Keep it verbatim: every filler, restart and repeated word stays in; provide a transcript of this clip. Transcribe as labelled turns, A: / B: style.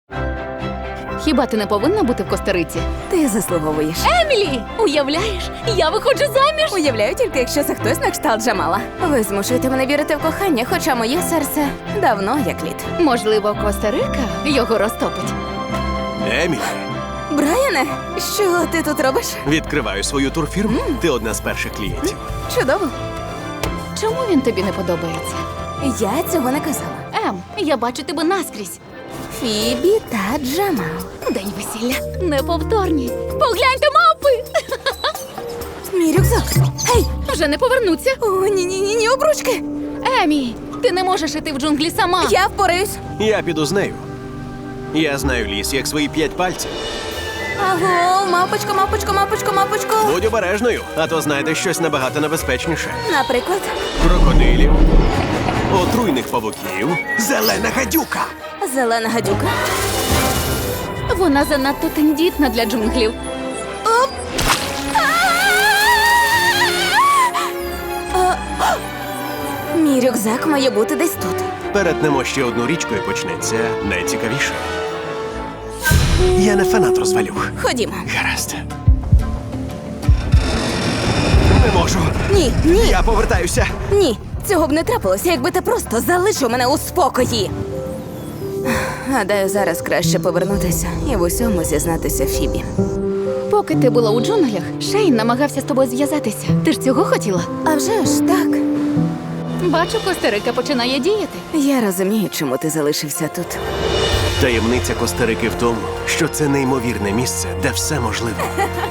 A: Хіба ти не повинна бути в Коста-Риці?
B: Ти заслуговуєш.
A: Емілі! Уявляєш, я виходжу заміж!
B: Уявляю тільки, якщо це хтось на кшталт Джамала. Ви змушуєте мене вірити в кохання, хоча моє серце давно як лід.
A: Можливо, Коста-Рика його розтопить.
C: Емілі,
B: Брайане, що ти тут робиш?
C: відкриваю свою турфірму. Ти одна з перших клієнтів.
B: Чудово.
A: Чому він тобі не подобається?
B: Я цього не казала.
A: Ем, я бачу тебе наскрізь.
B: Фібі та Джамал.
A: День весілля. Неповторні. Погляньте, мавпи!
B: Мій рюкзак. Гей!
A: Вже не повернуться.
B: О, ні-ні-ні, обручки.
A: Емі, ти не можеш іти в джунглі сама.
B: Я впораюсь.
C: Я піду з нею. Я знаю ліс, як свої п'ять пальців.
B: Аго, мапочко, мапочко, мапочко, мапочко.
C: Будь обережною, а то знайдеш щось набагато небезпечніше.
B: Наприклад,
C: Крокодилів, отруйних павуків, зелена гадюка.
B: зелена гадюка.
A: Вона занадто тендітна для джунглів.
B: Оп! А, а! Мій рюкзак має бути десь тут.
C: Перетнемо ще одну річку і почнеться найцікавіше. Я не фанат розвалюх.
B: Ходімо.
C: Гаразд. Не можу.
B: Ні, ні,
C: Я повертаюся.
B: ні. Цього б не трапилося, якби ти просто залишив мене у спокої. Гадаю, зараз краще повернутися і в усьому зізнатися Фібі.
A: Поки ти була у джунглях, Шейн намагався з тобою зв'язатися. Ти ж цього хотіла?
B: А вже ж так.
A: Бачу, Коста-Рика починає діяти.
B: Я розумію, чому ти залишився тут.
C: Таємниця Коста-Рики в тому, що це неймовірне місце, де все можливо.